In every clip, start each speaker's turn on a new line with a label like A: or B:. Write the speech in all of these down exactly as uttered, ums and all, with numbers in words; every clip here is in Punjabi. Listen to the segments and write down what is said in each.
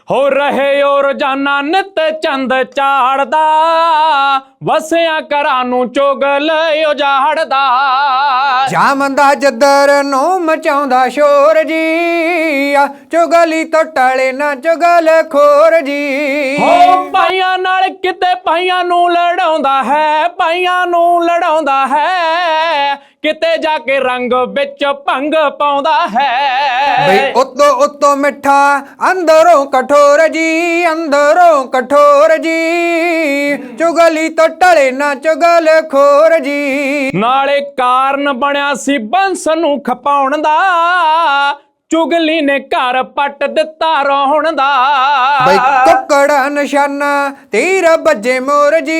A: हो रहे ओ रोजाना नित चंद चाड़दा वसिया घरां नूं चुगल उजाड़दा
B: जामदा जदर नूं मचाउंदा शोर जी चुगली तो टले ना चुगल खोर जी
A: हो भाइयां नाल किते भाइयां नूं लड़ाउंदा है भाइयां नूं लड़ाउंदा है किते जाके रंग विच भंग पाउंदा है
B: बई उतो उतो मिठा अंदरों कठोर जी अंदरों कठोर जी चुगली तो टले ना चुगल खोर जी
A: नाले कारण बनिया सी बंस नूं खपाउण दा चुगली ने घर पट दिता रोहण दा
B: बई कुकड़ा निशाना तीर बजे मोर जी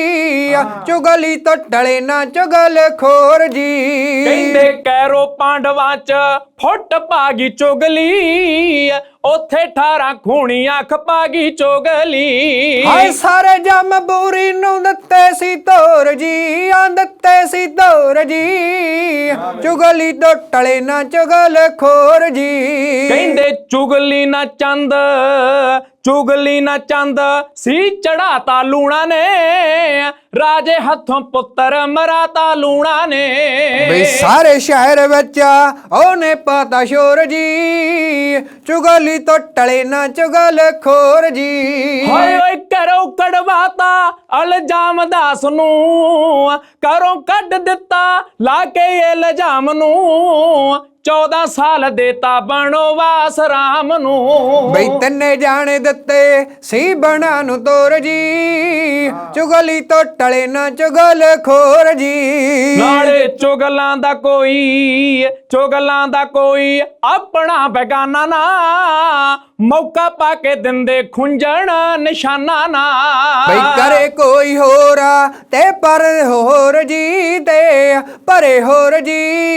B: चुगली तो टले ना चुगल खोर जी
A: कहंदे कैरो पांडवां च फुट पागी चुगली ओथे अठारह खूणियां खपागी चुगली
B: हाय सारे जम बूरी नूं दत्ते सी तोर जी आ दत्ते सी तोर जी चुगली तो टले ना चुगल खोर जी
A: कहंदे चुगली ना चंद चुगली ना चंद सी चढ़ाता लूणा ने राजे हथों पुत्र मराता लूणा ने
B: बई सारे शहर विच ओने पाता शोर जी चुगली तो टले ना चुगल खोर जी
A: हाय ओए करो कड़वाता अलजाम दास नू करो कड दिता लाके इल्जाम नू चौदह साल देता बनोवास राम नू
B: बई तन्ने जाने दत्ते सी बना नू तोर जी चुगली तो टले ना चुगल खोर जी
A: नाले चुगलां दा कोई चुगलां दा कोई अपना बेगाना ना मौका पाके दिंदे खुंजण निशाना ना
B: बई करे कोई होरा ते पर होर जी ते परे होर जी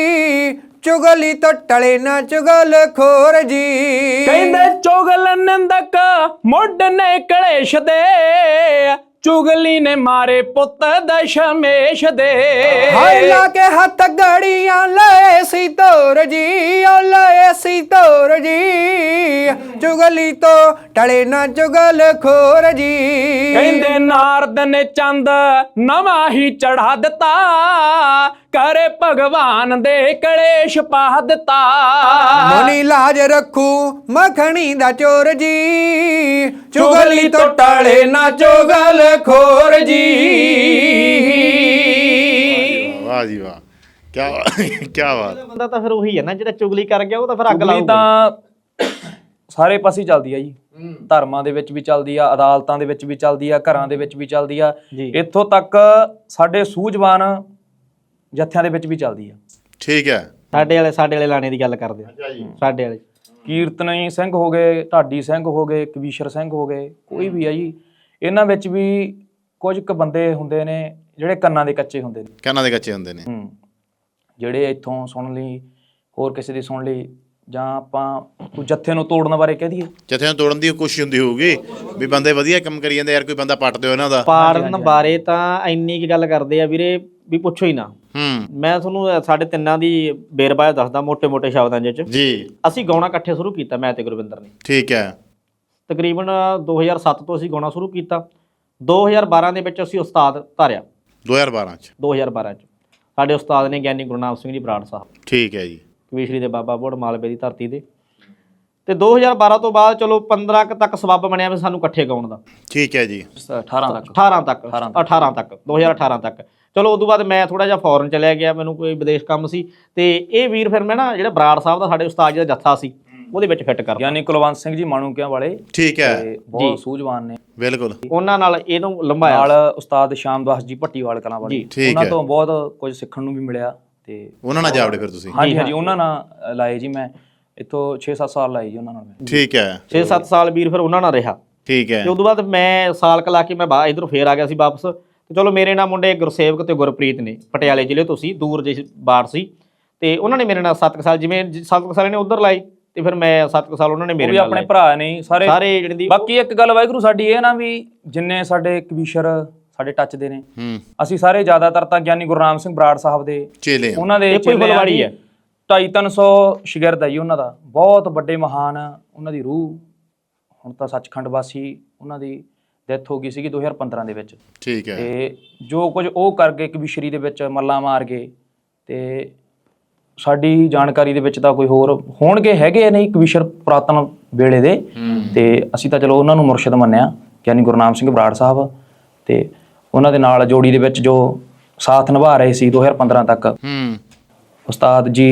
B: चुगली तो टले ना चुगल खोर जी
A: कहंदे चुगल निंदक मुड ने कलेश दे चुगली ने मारे पुत दशमेश दे
B: हाय लाके हथ गड़ियां ले सी तोर जी ओ ले सी तोर जी चुगली तो टले ना चुगल खोर जी
A: कहंदे नारद ने चंद नवा ही चढ़ा दिता करे भगवान दे कलेश पा दिता
B: मुनी लाज रखू मखनी दा चोर जी चुगली तो टले ना चुगल खोर जी
C: वाह जी वाह क्या क्या बात
D: ਬੰਦਾ ਤਾਂ ਫਿਰ ਉਹੀ ਹੈ ਨਾ ਜਿਹੜਾ ਚੁਗਲੀ ਕਰ ਗਿਆ ਉਹ ਤਾਂ ਫਿਰ ਅੱਗ
A: ਚੁਗਲੀ
D: ਲਾਊਗਾ
A: ਤਾਂ ਸਾਰੇ ਪਾਸੇ ਚੱਲਦੀ ਆ ਜੀ ਧਰਮਾਂ ਦੇ ਵਿੱਚ ਵੀ ਚੱਲਦੀ ਆ ਅਦਾਲਤਾਂ ਦੇ ਵਿੱਚ ਵੀ ਚੱਲਦੀ ਆ ਘਰਾਂ ਦੇ ਵਿੱਚ ਵੀ ਚੱਲਦੀ ਆ ਇੱਥੋਂ ਤੱਕ ਸਾਡੇ ਸੂਝਵਾਨ ਜੱਥਿਆਂ ਦੇ ਵਿੱਚ ਵੀ ਚੱਲਦੀ ਆ
C: ਠੀਕ ਹੈ
D: ਸਾਡੇ ਵਾਲੇ ਸਾਡੇ ਵਾਲੇ ਲਾਣੇ ਦੀ ਗੱਲ ਕਰਦੇ ਆ ਸਾਡੇ ਵਾਲੇ
A: ਕੀਰਤਨੀ ਸਿੰਘ ਹੋ ਗਏ ਢਾਡੀ ਸਿੰਘ ਹੋ ਗਏ ਕਵੀਸ਼ਰ ਸਿੰਘ ਹੋ ਗਏ ਕੋਈ ਵੀ ਆ ਜੀ ਇਹਨਾਂ ਵਿੱਚ ਵੀ ਕੁਝ ਕੁ ਬੰਦੇ ਹੁੰਦੇ ਨੇ ਜਿਹੜੇ ਕੰਨਾਂ ਦੇ ਕੱਚੇ ਹੁੰਦੇ ਨੇ
C: ਕੰਨਾਂ ਦੇ ਕੱਚੇ ਹੁੰਦੇ ਨੇ
A: ਹੂੰ ਜਿਹੜੇ ਇੱਥੋਂ ਸੁਣ ਲਈ ਹੋਰ ਕਿਸੇ ਦੀ ਸੁਣ ਲਈ ਜਾਂ ਆਪਾਂ ਕੋਈ ਜੱਥੇ ਨੂੰ ਤੋੜਨ ਬਾਰੇ ਕਹਿ ਦਈਏ
C: ਜੱਥੇ ਨੂੰ ਤੋੜਨ ਦੀ ਕੋਸ਼ਿਸ਼ ਹੁੰਦੀ ਹੋਊਗੀ ਵੀ ਬੰਦੇ ਵਧੀਆ ਕੰਮ ਕਰੀ ਜਾਂਦੇ ਯਾਰ ਕੋਈ ਬੰਦਾ ਪੱਟ ਦਿਓ ਇਹਨਾਂ ਦਾ
D: ਪਾੜਨ ਬਾਰੇ ਤਾਂ ਇੰਨੀ ਕੀ ਗੱਲ ਕਰਦੇ ਆ ਵੀਰੇ ਵੀ ਪੁੱਛੋ ਹੀ ਨਾ
C: ਹੂੰ ਮੈਂ
D: ਤੁਹਾਨੂੰ ਸਾਡੇ ਤਿੰਨਾਂ ਦੀ ਬੇਰਬਾਜ਼ ਦੱਸਦਾ ਮੋਟੇ ਮੋਟੇ ਸ਼ਬਦਾਂ ਚ
C: ਜੀ
D: ਅਸੀਂ ਗਾਉਣਾ ਇਕੱਠੇ ਸ਼ੁਰੂ ਕੀਤਾ ਮੈਂ ਤੇ ਗੁਰਵਿੰਦਰ ਨੇ
C: ਠੀਕ ਹੈ
D: ਤਕਰੀਬਨ ਦੋ ਹਜ਼ਾਰ ਸੱਤ ਤੋਂ ਅਸੀਂ ਗਾਉਣਾ ਸ਼ੁਰੂ ਕੀਤਾ ਦੋ ਹਜ਼ਾਰ ਬਾਰਾਂ ਦੇ ਵਿੱਚ ਅਸੀਂ ਉਸਤਾਦ ਧਾਰਿਆ
C: ਦੋ ਹਜ਼ਾਰ ਬਾਰਾਂ ਚ
D: ਦੋ ਹਜ਼ਾਰ ਬਾਰਾਂ ਚ ਸਾਡੇ ਉਸਤਾਦ ਨੇ ਗਿਆਨੀ ਗੁਰਨਾਮ ਸਿੰਘ ਜੀ ਬਰਾੜ ਸਾਹਿਬ ਠੀਕ
C: ਹੈ ਜੀ
D: ਕਵੀਸ਼ਰੀ ਦੇ ਬਾਬਾ ਬੋੜ ਮਾਲਵੇ ਦੀ ਧਰਤੀ ਦੇ ਤੇ ਦੋ ਹਜ਼ਾਰ ਬਾਰਾਂ ਤੋਂ ਬਾਅਦ ਚਲੋ ਪੰਦਰਾਂ ਕੁ ਤੱਕ ਸਬੱਬ ਬਣਿਆ ਵੀ ਸਾਨੂੰ ਇਕੱਠੇ ਗਾਉਣ ਦਾ
C: ਠੀਕ ਹੈ ਜੀ
A: ਅਠਾਰਾਂ ਤੱਕ
D: ਅਠਾਰਾਂ ਤੱਕ ਅਠਾਰਾਂ ਤੱਕ ਦੋ ਹਜ਼ਾਰ ਅਠਾਰਾਂ ਤੱਕ ਚਲੋ ਉਦੋਂ ਬਾਅਦ ਮੈਂ ਥੋੜਾ ਜਿਹਾ ਫੋਰਨ ਚਲਿਆ ਗਿਆ ਮੈਨੂੰ ਕੋਈ ਵਿਦੇਸ਼ ਕੰਮ ਸੀ ਤੇ ਇਹ ਵੀਰ ਫਿਰ ਮੈਂ ਨਾ ਜਿਹੜਾ ਬਰਾੜ ਸਾਹਿਬ ਦਾ ਸਾਡੇ ਉਸਤਾਦ ਜੀ ਦਾ ਜੱਥਾ ਸੀ ਉਹਦੇ ਵਿੱਚ ਫਿੱਟ ਕਰ
A: ਯਾਨੀ ਕੁਲਵੰਤ ਸਿੰਘ ਜੀ ਮਾਣੂਕਿਆਂ ਵਾਲੇ
C: ਠੀਕ ਹੈ
A: ਬਹੁਤ ਸੂਝਵਾਨ ਨੇ
C: ਬਿਲਕੁਲ
D: ਉਹਨਾਂ ਨਾਲ ਇਹਨੂੰ ਲੰਬਾਇਆ
A: ਨਾਲ ਉਸਤਾਦ ਸ਼ਾਮਦਾਸ ਜੀ ਭੱਟੀਵਾਲ ਕਲਾਂ ਵਾਲੇ ਉਹਨਾਂ ਤੋਂ ਬਹੁਤ ਕੁਝ ਸਿੱਖਣ ਨੂੰ ਵੀ ਮਿਲਿਆ ਤੇ
C: ਉਹਨਾਂ ਨਾਲ ਜਾਵੜੇ ਫਿਰ ਤੁਸੀਂ
A: ਹਾਂਜੀ ਹਾਂਜੀ ਉਹਨਾਂ ਨਾਲ ਲਾਏ ਜੀ ਮੈਂ ਇੱਥੋਂ ਛੇ ਸੱਤ ਸਾਲ ਲਾਏ ਜੀ ਉਹਨਾਂ ਨਾਲ ਮੈਂ
C: ਠੀਕ ਹੈ
D: ਛੇ ਸੱਤ ਸਾਲ ਵੀਰ ਫਿਰ ਉਹਨਾਂ ਨਾਲ ਰਿਹਾ
C: ਠੀਕ ਹੈ
D: ਤੇ ਉਦੋਂ ਬਾਅਦ ਮੈਂ ਸਾਲ ਕ ਲਾ ਕੇ ਮੈਂ ਬਾਹਰ ਇਧਰੋਂ ਫੇਰ ਆ ਗਿਆ ਸੀ ਵਾਪਸ ਤੇ ਚਲੋ ਮੇਰੇ ਨਾਲ ਮੁੰਡੇ ਗੁਰਸੇਵਕ ਤੇ ਗੁਰਪ੍ਰੀਤ ਨੇ ਪਟਿਆਲੇ ਜ਼ਿਲ੍ਹੇ ਤੋਂ ਸੀ ਦੂਰ ਜਿਹੀ ਬਾੜ ਸੀ ਤੇ ਉਹਨਾਂ ਨੇ ਮੇਰੇ ਨਾਲ ਸੱਤ ਸਾਲ ਜਿਵੇਂ ਸੱਤ ਸਾਲ ਨੇ ਉਧਰ ਲਾਏ ਤੇ ਫਿਰ ਮੈਂ ਸੱਤ ਸਾਲ ਉਹਨਾਂ ਨੇ ਮੇਰੇ ਨਾਲ
A: ਆਪਣੇ ਭਰਾ ਨੇ ਸਾਰੇ
D: ਸਾਰੇ ਜਿਹੜੇ ਦੀ
A: ਬਾਕੀ ਇੱਕ ਗੱਲ ਵਾਹਿਗੁਰੂ ਸਾਡੀ ਇਹ ਨਾ ਵੀ ਜਿੰਨੇ ਸਾਡੇ ਕਵੀਸ਼ਰ ਸਾਡੇ ਟੱਚ ਦੇ ਨੇ ਅਸੀਂ ਸਾਰੇ ਜ਼ਿਆਦਾਤਰ ਤਾਂ ਗਿਆਨੀ ਗੁਰਨਾਮ ਸਿੰਘ ਬਰਾੜ ਸਾਹਿਬ ਦੇ
C: ਚੇਲੇ
A: ਉਹਨਾਂ ਦੇ
D: ਬਲਵਾੜੀ ਹੈ
A: ਢਾਈ ਤਿੰਨ ਸੌ ਸ਼ਾਗਿਰਦ ਹੈ ਜੀ ਉਹਨਾਂ ਦਾ ਬਹੁਤ ਵੱਡੇ ਮਹਾਨ ਉਹਨਾਂ ਦੀ ਰੂਹ ਹੁਣ ਤਾਂ ਸੱਚਖੰਡ ਵਾਸੀ ਉਹਨਾਂ ਦੀ ਡੈਥ ਹੋ ਗਈ ਸੀਗੀ ਦੋ ਹਜ਼ਾਰ ਪੰਦਰਾਂ ਦੇ ਵਿੱਚ।
C: ਠੀਕ ਹੈ।
A: ਤੇ ਜੋ ਕੁਝ ਉਹ ਕਰ ਗਏ ਕਵੀਸ਼ਰੀ ਦੇ ਵਿੱਚ ਮੱਲਾ ਮਾਰ ਗਏ, ਤੇ ਸਾਡੀ ਜਾਣਕਾਰੀ ਦੇ ਵਿੱਚ ਤਾਂ ਕੋਈ ਹੋਰ ਹੋਣਗੇ ਹੈਗੇ ਨਹੀਂ ਕਵੀਸ਼ਰ ਪੁਰਾਤਨ ਵੇਲੇ ਦੇ, ਤੇ ਅਸੀਂ ਤਾਂ ਚਲੋ ਉਹਨਾਂ ਨੂੰ ਮੁਰਸ਼ਿਦ ਮੰਨਿਆ ਗਿਆਨੀ ਗੁਰਨਾਮ ਸਿੰਘ ਬਰਾੜ ਸਾਹਿਬ, ਤੇ ਉਹਨਾਂ ਦੇ ਨਾਲ ਜੋੜੀ ਦੇ ਵਿੱਚ ਜੋ ਸਾਥ ਨਿਭਾ ਰਹੇ ਸੀ ਦੋ ਹਜ਼ਾਰ ਪੰਦਰਾਂ ਤੱਕ
C: ਹੂੰ
A: ਉਸਤਾਦ ਜੀ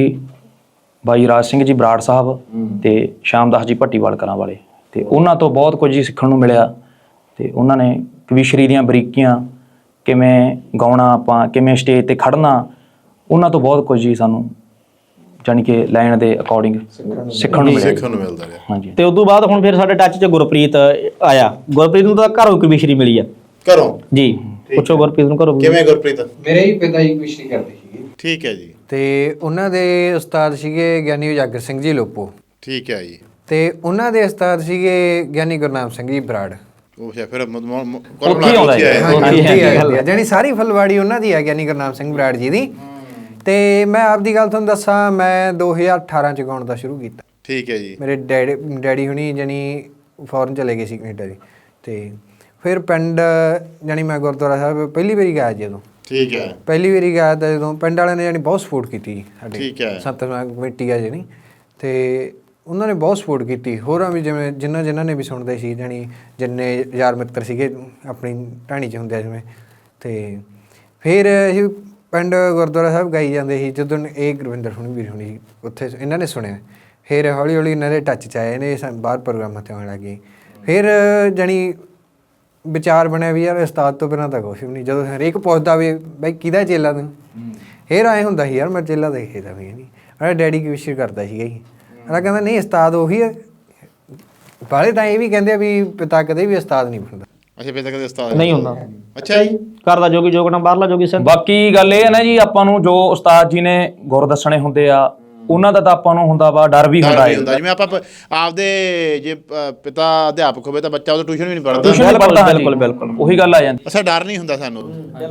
A: ਬਾਈ ਰਾਜ ਸਿੰਘ ਜੀ ਬਰਾੜ ਸਾਹਿਬ ਤੇ ਸ਼ਾਮਦਾਸ ਜੀ ਭੱਟੀਵਾਲ ਕਲਾਂ ਵਾਲੇ, ਤੇ ਉਹਨਾਂ ਤੋਂ ਬਹੁਤ ਕੁਝ ਹੀ ਸਿੱਖਣ ਨੂੰ ਮਿਲਿਆ। ਤੇ ਉਹਨਾਂ ਨੇ ਕਵੀਸ਼ਰੀ ਦੀਆਂ ਬਰੀਕੀਆਂ, ਕਿਵੇਂ ਗਾਉਣਾ ਆਪਾਂ, ਕਿਵੇਂ ਸਟੇਜ ਤੇ ਖੜਨਾ, ਉਹਨਾਂ ਤੋਂ ਬਹੁਤ ਕੁਝ ਹੀ ਸਾਨੂੰ ਜਾਣੀ ਕਿ ਲਾਈਨ ਦੇ ਅਕੋਰਡਿੰਗ ਸਿੱਖਣ ਨੂੰ ਮਿਲਿਆ।
C: ਸਿੱਖਣ ਨੂੰ ਮਿਲਦਾ ਰਿਹਾ।
A: ਹਾਂਜੀ।
D: ਤੇ ਉਦੋਂ ਬਾਅਦ ਹੁਣ ਫਿਰ ਸਾਡੇ ਟੱਚ 'ਚ ਗੁਰਪ੍ਰੀਤ ਆਇਆ। ਗੁਰਪ੍ਰੀਤ ਨੂੰ ਤਾਂ ਘਰੋਂ ਕਵੀਸ਼ਰੀ ਮਿਲੀ ਆ
C: ਘਰੋਂ
D: ਜੀ। ਪੁੱਛੋ ਗੁਰਪ੍ਰੀਤ ਨੂੰ ਘਰੋਂ
C: ਕਿਵੇਂ ਗੁਰਪ੍ਰੀਤ?
B: ਮੇਰੇ ਹੀ ਪਿਤਾ ਜੀ ਕਵੀਸ਼ਰੀ ਕਰਦੇ ਸੀਗੇ।
C: ਠੀਕ ਹੈ ਜੀ।
B: ਤੇ ਉਹਨਾਂ ਦੇ ਉਸਤਾਦ ਸੀਗੇ ਗਿਆਨੀ ਉਜਾਗਰ ਸਿੰਘ ਜੀ ਲੋਪੋ।
C: ਠੀਕ ਹੈ ਜੀ।
B: ਤੇ ਉਹਨਾਂ ਦੇ ਉਸਤਾਦ ਸੀਗੇ ਗਿਆਨੀ ਗੁਰਨਾਮ ਸਿੰਘ ਜੀ ਬਰਾੜ।
C: ਉਹ ਫਿਰ ਫਿਰ
A: ਉੱਥੇ ਹੀ ਆਉਂਦਾ ਹੈ।
B: ਹਾਂਜੀ, ਜਾਣੀ ਸਾਰੀ ਫੁਲਵਾੜੀ ਉਹਨਾਂ ਦੀ ਹੈ ਗਿਆਨੀ ਗੁਰਨਾਮ ਸਿੰਘ ਬਰਾੜ ਜੀ ਦੀ। ਤੇ ਮੈਂ ਆਪਦੀ ਗੱਲ ਤੁਹਾਨੂੰ ਦੱਸਾਂ, ਮੈਂ ਦੋ ਹਜ਼ਾਰ ਅਠਾਰਾਂ ਚ ਗਾਉਣ ਦਾ ਸ਼ੁਰੂ ਕੀਤਾ।
C: ਠੀਕ ਹੈ ਜੀ।
B: ਮੇਰੇ ਡੈਡੀ ਡੈਡੀ ਹੁਣੀ ਜਾਣੀ ਫੋਰਨ ਚਲੇ ਗਏ ਸੀ ਕੈਨੇਡਾ ਜੀ, ਤੇ ਫਿਰ ਪਿੰਡ ਜਾਣੀ ਮੈਂ ਗੁਰਦੁਆਰਾ ਸਾਹਿਬ ਪਹਿਲੀ ਵਾਰੀ ਗਿਆ ਜਦੋਂ।
C: ਠੀਕ ਹੈ।
B: ਪਹਿਲੀ ਵਾਰੀ ਗਿਆ ਤਾਂ ਜਦੋਂ ਪਿੰਡ ਵਾਲਿਆਂ ਨੇ ਜਾਣੀ ਬਹੁਤ ਸਪੋਰਟ ਕੀਤੀ ਜੀ ਸਾਡੇ।
C: ਠੀਕ ਹੈ।
B: ਸਤਿਸੰਗ ਕਮੇਟੀ ਆ ਜਿਹੜੀ, ਤੇ ਉਹਨਾਂ ਨੇ ਬਹੁਤ ਸਪੋਰਟ ਕੀਤੀ। ਹੋਰਾਂ ਵੀ ਜਿਵੇਂ ਜਿਨ੍ਹਾਂ ਜਿਨ੍ਹਾਂ ਨੇ ਵੀ ਸੁਣਦੇ ਸੀ, ਜਾਣੀ ਜਿੰਨੇ ਯਾਰ ਮਿੱਤਰ ਸੀਗੇ ਆਪਣੀ ਢਾਣੀ 'ਚ ਹੁੰਦੇ ਜਿਵੇਂ। ਤੇ ਫਿਰ ਅਸੀਂ ਪਿੰਡ ਗੁਰਦੁਆਰਾ ਸਾਹਿਬ ਗਾਈ ਜਾਂਦੇ ਸੀ। ਜਦੋਂ ਇਹ ਗੁਰਵਿੰਦਰ ਹੁਣੀ ਵੀਰ ਹੁਣੀ ਉੱਥੇ ਇਹਨਾਂ ਨੇ ਸੁਣਿਆ, ਫਿਰ ਹੌਲੀ ਹੌਲੀ ਇਹਨਾਂ ਦੇ ਟੱਚ 'ਚ ਆਏ ਨੇ, ਬਾਹਰ ਪ੍ਰੋਗਰਾਮਾਂ 'ਤੇ ਆਉਣ ਲੱਗ ਗਏ। ਫਿਰ ਜਾਣੀ ਵਿਚਾਰ ਬਣਿਆ ਵੀ ਯਾਰ ਉਸਤਾਦ ਤੋਂ ਬਿਨਾਂ ਤਾਂ ਕੁਛ ਵੀ ਨਹੀਂ। ਜਦੋਂ ਹਰੇਕ ਪੁੱਛਦਾ ਵੀ ਬਾਈ ਕਿਹਦਾ ਚੇਲਾ ਤੂੰ, ਫਿਰ ਆਏ ਹੁੰਦਾ ਸੀ ਯਾਰ ਮੈਂ ਚੇਲਾ ਦੇਖਦਾ ਵੀ ਨਹੀਂ। ਅਰੇ ਡੈਡੀ ਕਵੀਸ਼ਰੀ ਕਰਦਾ ਸੀਗਾ ਜੀ। ਅਗਲਾ ਕਹਿੰਦਾ ਨਹੀਂ ਉਸਤਾਦ ਉਹੀ ਹੈ। ਬਾਲੇ ਤਾਂ ਇਹ ਵੀ ਕਹਿੰਦੇ ਆ ਵੀ ਪਿਤਾ ਕਦੇ ਵੀ ਉਸਤਾਦ ਨਹੀਂ ਬਣਦਾ।
C: ਅੱਛਾ, ਪਿਤਾ ਕਦੇ ਉਸਤਾਦ
D: ਨਹੀਂ ਹੁੰਦਾ।
C: ਅੱਛਾ ਜੀ।
D: ਘਰ ਦਾ ਜੋਗੀ ਜੋਗਣਾ, ਬਾਹਰਲਾ ਜੋਗੀ ਸਿੰਘ।
A: ਬਾਕੀ ਗੱਲ ਇਹ ਹੈ ਨਾ ਜੀ, ਆਪਾਂ ਨੂੰ ਜੋ ਉਸਤਾਦ ਜੀ ਨੇ ਗੁਰ ਦੱਸਣੇ ਹੁੰਦੇ ਆ, ਉਹਨਾਂ ਦਾ ਤਾਂ ਆਪਾਂ ਨੂੰ ਹੁੰਦਾ ਵਾ ਡਰ ਵੀ ਹੁੰਦਾ ਹੈ।
C: ਜਿਵੇਂ ਆਪਾਂ ਆਪਦੇ ਜੇ ਪਿਤਾ ਅਧਿਆਪਕ ਹੋਵੇ ਤਾਂ ਬੱਚਾ ਉਹ ਟਿਊਸ਼ਨ ਵੀ ਨਹੀਂ ਪੜ੍ਹਦਾ।
A: ਟਿਊਸ਼ਨ ਨਹੀਂ ਪੜ੍ਹਦਾ।
D: ਬਿਲਕੁਲ ਬਿਲਕੁਲ
A: ਉਹੀ ਗੱਲ ਆ ਜਾਂਦੀ।
C: ਅੱਛਾ, ਡਰ ਨਹੀਂ ਹੁੰਦਾ ਸਾਨੂੰ।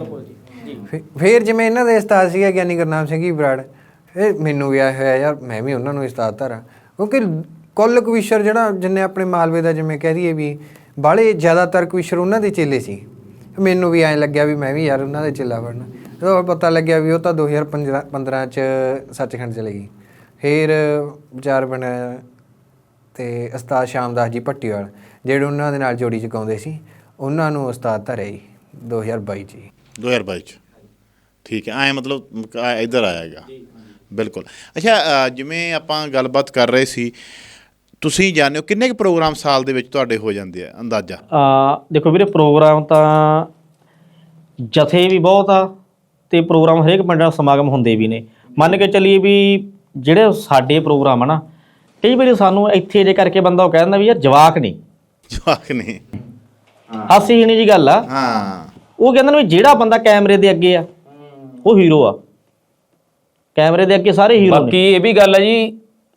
B: ਫਿਰ ਜਿਵੇਂ ਇਹਨਾਂ ਦੇ ਉਸਤਾਦ ਸੀਗਾ ਗਿਆਨੀ ਗੁਰਨਾਮ ਸਿੰਘ ਜੀ ਬਰਾੜ, ਇਹ ਮੈਨੂੰ ਵੀ ਆਇਆ ਹੋਇਆ ਯਾਰ ਮੈਂ ਵੀ ਉਹਨਾਂ ਨੂੰ ਉਸਤਾਦ ਧਾਰਾਂ, ਕਿਉਂਕਿ ਕੁੱਲ ਕਵੀਸ਼ਰ ਜਿਹੜਾ ਜਿੰਨੇ ਆਪਣੇ ਮਾਲਵੇ ਦਾ ਜਿਵੇਂ ਕਹਿ ਦਈਏ ਵੀ ਬਾਹਲੇ ਜ਼ਿਆਦਾਤਰ ਕਵੀਸ਼ਰ ਉਹਨਾਂ ਦੇ ਚੇਲੇ ਸੀ। ਮੈਨੂੰ ਵੀ ਐਂ ਲੱਗਿਆ ਵੀ ਮੈਂ ਵੀ ਯਾਰ ਉਹਨਾਂ ਦੇ ਚੇਲਾ ਬਣਨਾ। ਜਦੋਂ ਪਤਾ ਲੱਗਿਆ ਵੀ ਉਹ ਤਾਂ ਦੋ ਹਜ਼ਾਰ ਪੰਦਰਾਂ ਪੰਦਰਾਂ 'ਚ ਸੱਚਖੰਡ ਚਲੇ ਗਈ। ਫਿਰ ਵਿਚਾਰ ਬਣਿਆ, ਤੇ ਉਸਤਾਦ ਸ਼ਾਮਦਾਸ ਜੀ ਭੱਟੀਵਾਲ ਜਿਹੜੇ ਉਹਨਾਂ ਦੇ ਨਾਲ ਜੋੜੀ 'ਚ ਗਾਉਂਦੇ ਸੀ, ਉਹਨਾਂ ਨੂੰ ਉਸਤਾਦ ਧਰਿਆ ਜੀ ਦੋ ਹਜ਼ਾਰ ਬਾਈ 'ਚ ਜੀ।
C: ਦੋ ਹਜ਼ਾਰ ਬਾਈ 'ਚ ਠੀਕ ਹੈ। ਐਂ ਮਤਲਬ ਇੱਧਰ ਆਇਆਗਾ। ਬਿਲਕੁਲ। ਅੱਛਾ, ਜਿਵੇਂ ਆਪਾਂ ਗੱਲਬਾਤ ਕਰ ਰਹੇ ਸੀ, ਤੁਸੀਂ ਜਾਣਦੇ ਹੋ ਕਿੰਨੇ ਕੁ ਪ੍ਰੋਗਰਾਮ ਸਾਲ ਦੇ ਵਿੱਚ ਤੁਹਾਡੇ ਹੋ ਜਾਂਦੇ ਆ ਅੰਦਾਜ਼ਾ?
D: ਦੇਖੋ ਵੀਰੇ, ਪ੍ਰੋਗਰਾਮ ਤਾਂ ਜਥੇ ਵੀ ਬਹੁਤ ਆ, ਤੇ ਪ੍ਰੋਗਰਾਮ ਹਰੇਕ ਪਿੰਡ ਦਾ ਸਮਾਗਮ ਹੁੰਦੇ ਵੀ ਨੇ। ਮੰਨ ਕੇ ਚੱਲੀਏ ਵੀ ਜਿਹੜੇ ਸਾਡੇ ਪ੍ਰੋਗਰਾਮ ਆ ਨਾ, ਕਈ ਵਾਰੀ ਸਾਨੂੰ ਇੱਥੇ ਜੇ ਕਰਕੇ ਬੰਦਾ ਉਹ ਕਹਿ ਦਿੰਦਾ ਵੀ ਯਾਰ ਜਵਾਕ ਨਹੀਂ
C: ਜਵਾਕ ਨਹੀਂ
D: ਹਾਸੀ ਜਣੀ ਜੀ ਗੱਲ ਆ।
C: ਹਾਂ,
D: ਉਹ ਕਹਿੰਦੇ ਨੇ ਵੀ ਜਿਹੜਾ ਬੰਦਾ ਕੈਮਰੇ ਦੇ ਅੱਗੇ ਆ ਉਹ ਹੀਰੋ ਆ। ਕੈਮਰੇ ਦੇ ਅੱਗੇ ਸਾਰੇ ਹੀਰੋ ਨੇ।
A: ਬਾਕੀ ਇਹ ਵੀ ਗੱਲ ਹੈ ਜੀ,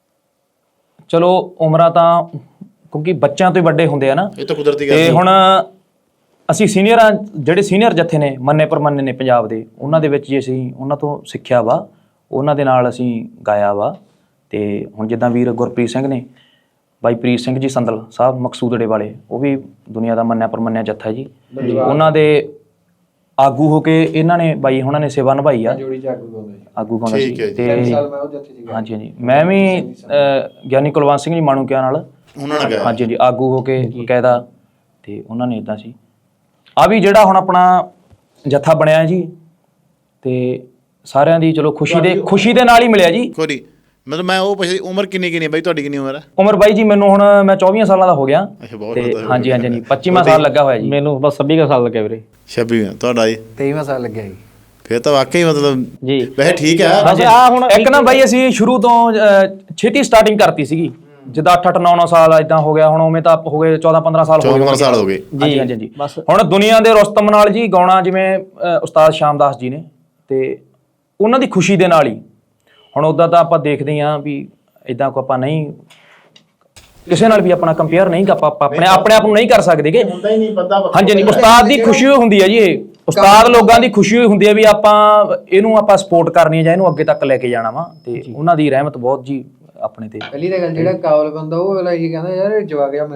A: ਚਲੋ ਉਮਰਾਂ ਤਾਂ ਕਿਉਂਕਿ ਬੱਚਿਆਂ ਤੋਂ ਹੀ ਵੱਡੇ ਹੁੰਦੇ ਆ ਨਾ,
C: ਇਹ ਤਾਂ ਕੁਦਰਤੀ ਗੱਲ
A: ਤੇ
C: ਹੈ।
A: ਹੁਣ ਅਸੀਂ ਸੀਨੀਅਰਾਂ ਜਿਹੜੇ ਸੀਨੀਅਰ ਜੱਥੇ ਨੇ ਮੰਨੇ ਪਰਮੰਨੇ ਨੇ ਪੰਜਾਬ ਦੇ, ਉਹਨਾਂ ਦੇ ਵਿੱਚ ਜੇ ਅਸੀਂ ਉਹਨਾਂ ਤੋਂ ਸਿੱਖਿਆ ਵਾ, ਉਹਨਾਂ ਦੇ ਨਾਲ ਅਸੀਂ ਗਾਇਆ ਵਾ। ਤੇ ਹੁਣ ਜਿੱਦਾਂ ਵੀਰ ਗੁਰਪ੍ਰੀਤ ਸਿੰਘ ਨੇ, ਬਾਈ ਪ੍ਰੀਤ ਸਿੰਘ ਜੀ ਸੰਦਲ ਸਾਹਿਬ ਮਕਸੂਦੜੇ ਵਾਲੇ, ਉਹ ਵੀ ਦੁਨੀਆ ਦਾ ਮੰਨਿਆ ਪਰਮੰਨਿਆ ਜੱਥਾ ਜੀ। ਉਹਨਾਂ ਦੇ ਆਗੂ ਹੋ ਕੇ ਇਹਨਾਂ ਨੇ ਬਾਈ ਉਹਨਾਂ ਨੇ ਸੇਵਾ ਨਿਭਾਈ ਆ। ਆਗੂ ਗਾਉਂਦਾ ਸੀ। ਤੇ ਹਾਂਜੀ ਹਾਂਜੀ, ਮੈਂ ਵੀ ਗਿਆਨੀ ਕੁਲਵੰਤ ਸਿੰਘ ਜੀ ਮਾਣੂਕਿਆਂ ਨਾਲ
C: ਉਹਨਾਂ ਨੇ
A: ਹਾਂਜੀ ਹਾਂਜੀ ਆਗੂ ਹੋ ਕੇ ਬਕਾਇਦਾ, ਤੇ ਉਹਨਾਂ ਨੇ ਇਦਾਂ ਸੀ। ਆ ਵੀ ਜਿਹੜਾ ਹੁਣ ਆਪਣਾ ਜੱਥਾ ਬਣਿਆ ਜੀ, ਤੇ ਸਾਰਿਆਂ ਦੀ ਚਲੋ ਖੁਸ਼ੀ ਦੇ ਖੁਸ਼ੀ ਦੇ ਨਾਲ ਹੀ ਮਿਲਿਆ ਜੀ।
C: ਕੋਈ ਮਤਲਬ ਮੈਂ ਉਹ ਪੁੱਛਦੀ ਉਮਰ ਕਿੰਨੀ ਕਿੰਨੀ ਬਾਈ ਤੁਹਾਡੀ? ਕਿੰਨੀ ਉਮਰ ਹੈ?
A: ਉਮਰ ਬਾਈ ਜੀ ਮੈਨੂੰ ਹੁਣ ਮੈਂ ਚੌਵੀ ਸਾਲਾਂ ਦਾ ਹੋ ਗਿਆ।
C: ਅੱਛਾ, ਬਹੁਤ
A: ਤੇ
C: ਜ਼ਿਆਦਾ।
A: ਹਾਂਜੀ ਹਾਂਜੀ ਹਾਂਜੀ ਪੱਚੀਵਾਂ ਸਾਲ ਲੱਗਾ ਹੋਇਆ ਜੀ
D: ਮੈਨੂੰ। ਬਸ ਛੱਬੀ ਕੁ ਸਾਲ ਲੱਗਿਆ ਵੀਰੇ।
C: ਛੱਬੀ ਤੁਹਾਡਾ ਜੀ?
B: ਤੇਈਵਾਂ ਸਾਲ ਲੱਗਿਆ ਜੀ।
C: ਫਿਰ ਤਾਂ ਵਾਕਈ ਮਤਲਬ
D: ਜੀ
C: ਵੈਸੇ ਠੀਕ ਹੈ।
D: ਬਸ ਆ ਹੁਣ
A: ਇੱਕ ਨਾ ਬਾਈ ਅਸੀਂ ਸ਼ੁਰੂ ਤੋਂ ਛੇਤੀ ਸਟਾਰਟਿੰਗ ਕਰਤੀ ਸੀਗੀ, ਜਿੱਦਾਂ ਅੱਠ ਅੱਠ ਨੌ ਨੌ ਸਾਲ ਇਦਾਂ ਹੋ ਗਿਆ। ਹੁਣ ਉਵੇਂ ਤਾਂ ਹੋ ਗਏ ਚੌਦਾਂ ਪੰਦਰਾਂ ਸਾਲ ਹੋ
C: ਚੌਦਾਂ ਸਾਲ ਹੋ ਗਏ।
A: ਜੀ ਹਾਂਜੀ ਹਾਂਜੀ। ਹੁਣ ਦੁਨੀਆ ਦੇ ਰੁਸਤਮ ਨਾਲ ਜੀ ਗਾਉਣਾ, ਜਿਵੇਂ ਉਸਤਾਦ ਸ਼ਾਮਦਾਸ ਜੀ ਨੇ, ਤੇ ਉਹਨਾਂ ਦੀ ਖੁਸ਼ੀ ਦੇ ਨਾਲ ਹੀ। ਹੁਣ ਉੱਦਾਂ ਤਾਂ ਆਪਾਂ ਦੇਖਦੇ ਹਾਂ ਵੀ ਇਦਾਂ ਕੋ ਆਪਾਂ ਨਹੀਂ ਕਿਸੇ ਨਾਲ ਵੀ ਆਪਣਾ ਕੰਪੇਅਰ ਨਹੀਂ ਆਪਾਂ ਆਪਣੇ ਆਪਣੇ ਆਪ ਨੂੰ ਨਹੀਂ ਕਰ ਸਕਦੇਗੇ। ਹਾਂਜੀ ਹਾਂਜੀ, ਉਸਤਾਦ ਦੀ ਖੁਸ਼ੀ ਹੁੰਦੀ ਹੈ ਜੀ। ਇਹ ਉਸਤਾਦ ਲੋਕਾਂ ਦੀ ਖੁਸ਼ੀ ਹੁੰਦੀ ਹੈ ਵੀ ਆਪਾਂ ਇਹਨੂੰ ਆਪਾਂ ਸਪੋਰਟ ਕਰਨੀ ਹੈ ਜਾਂ ਇਹਨੂੰ ਅੱਗੇ ਤੱਕ ਲੈ ਕੇ ਜਾਣਾ ਵਾ, ਤੇ ਉਹਨਾਂ ਦੀ ਰਹਿਮਤ ਬਹੁਤ ਜੀ ਆਪਣੇ ਤੇ।
B: ਪਹਿਲੀ ਤਾਂ ਗੱਲ ਜਿਹੜਾ ਕਾਬਲ ਬੰਦਾ ਉਹ ਅਗਲਾ ਇਹ ਕਹਿੰਦਾ ਯਾਰ ਜਵਾਕ ਆ